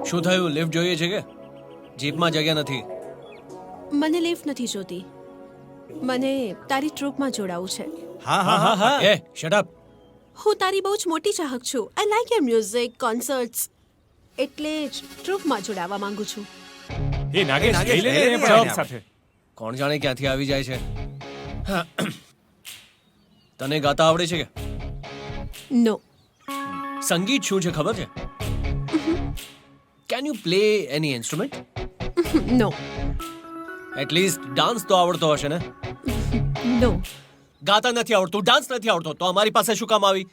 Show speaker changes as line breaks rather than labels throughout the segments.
શું થયું? લિફ્ટ જોઈએ છે કે? જીપમાં જગ્યા નથી.
મને લિફ્ટ નથી જોતી. મને તારી ટ્રુપમાં જોડાવું છે.
હા હા હા હા
એ શટ અપ.
હું તારી બહુ જ મોટી ચાહક છું. I like your music, concerts. એટલે જ ટ્રુપમાં જોડાવા માંગુ છું.
એ નાગેશ
નાગેશ,
લઈ લે
લઈ લે
ને
ને
પણ
આપણે.
સાથે.
કોણ જાણે ક્યાંથી આવી જાય છે. તને ગાતા આવડે છે કે?
નો.
સંગીત શું છે ખબર છે? Can you play any instrument?
No.
At least dance તો આવડતો હશે ને?
નો.
ગાતા નથી આવડતું, ડાન્સ નથી આવડતો, તો અમારી પાસે શું કામ આવી?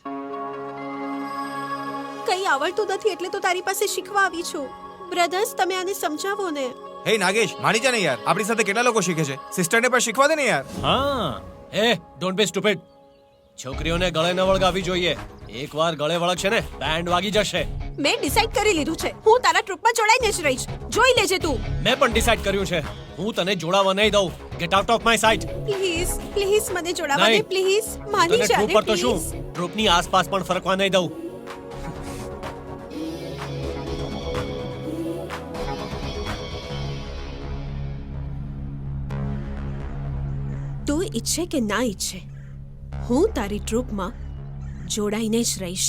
કંઈ આવડતું નથી એટલે તો તારી પાસે શીખવા આવી છું. બ્રધર્સ, તમે આને સમજાવો ને.
હે નાગેશ માની જા ને યાર, આપણી સાથે કેટલા લોકો શીખે છે. સિસ્ટરને પણ શીખવા દે ને યાર.
હા
એ ડોન્ટ બી સ્ટુપિડ. છોકરીઓને ગળે ન વળગાવી જોઈએ. એકવાર ગળે વળગશે ને બેન્ડ વાગી જશે.
મેં ડિસાઈડ કરી લીધું છે. હું તારા ટ્રુપમાં જોડાઈને જ રહીશ. જોઈ લેજે તું.
મેં પણ ડિસાઈડ કર્યું છે. હું તને જોડાવા નહીં દઉં. Get out of my sight.
Please please મને જોડાવા દે
નહીં.
પ્લીઝ. માની
તને
જા
ટ્રુપ
ને
પર તો શું,
પ્લીઝ.
ટ્રુપની આસપાસ પણ ફરકવા નહીં દઉં.
તું ઈચ્છે કે ના ઈચ્છે, હું તારી ટ્રુપમાં જોડાઈને જ રહીશ.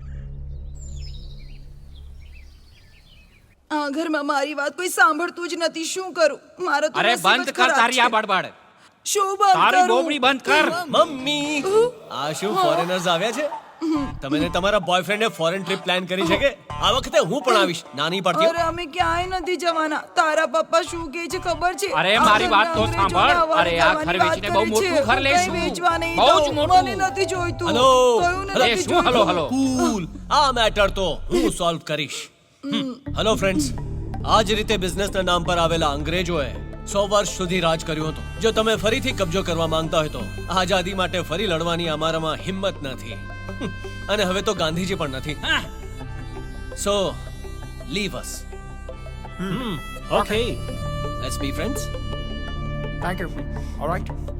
આ ઘરમાં મારી વાત કોઈ સાંભળતું જ નથી. શું કરું? મારો તો
અરે
નસીબ જ
બંધ કર
ખરાબ
તારી
છે.
આ બડબડ.
શું બંધ
તારી
કરું?
બોબડી બંધ કર.
મમ્મી, આ શું ફોરેનર્સ આવ્યા છે? તમે ને તમારા બોયફ્રેન્ડે ફોરેન ટ્રીપ પ્લાન કરી છે કે? આ વખતે હું પણ આવીશ. નાની પડતી
અરે અમે ક્યાંય નથી જવાના. તારા પપ્પા શું કહે છે ખબર છે?
અરે
આ
મારી વાત તો
ઘરના
સાંભળ.
અંગ્રેજોને
અરે આ
આવવાની
ઘર
વાત
વેચીને બહુ
કરી
મોટું
છે.
ઘર લેશું.
કંઈ વેચવા નહીં
બહુ જ
દઉં.
મોટું.
મને નથી જોઈતું.
હલો.
કયું
અરે
નથી
શું હલો
જોઈતું?
હલો?
કૂલ. આ મેટર તો હું સોલ્વ કરીશ. હેલો ફ્રેન્ડ્સ, આ જ રીતે બિઝનેસના નામ પર આવેલા અંગ્રેજોએ 100 વર્ષ સુધી રાજ કર્યું હતું. જો તમે ફરીથી કબજો કરવા માંગતા હોય તો આઝાદી માટે ફરી લડવાની અમારામાં હિંમત નથી. અને હવે તો ગાંધીજી પણ નથી. So leave us.
Okay
let's be friends.
Thank you alright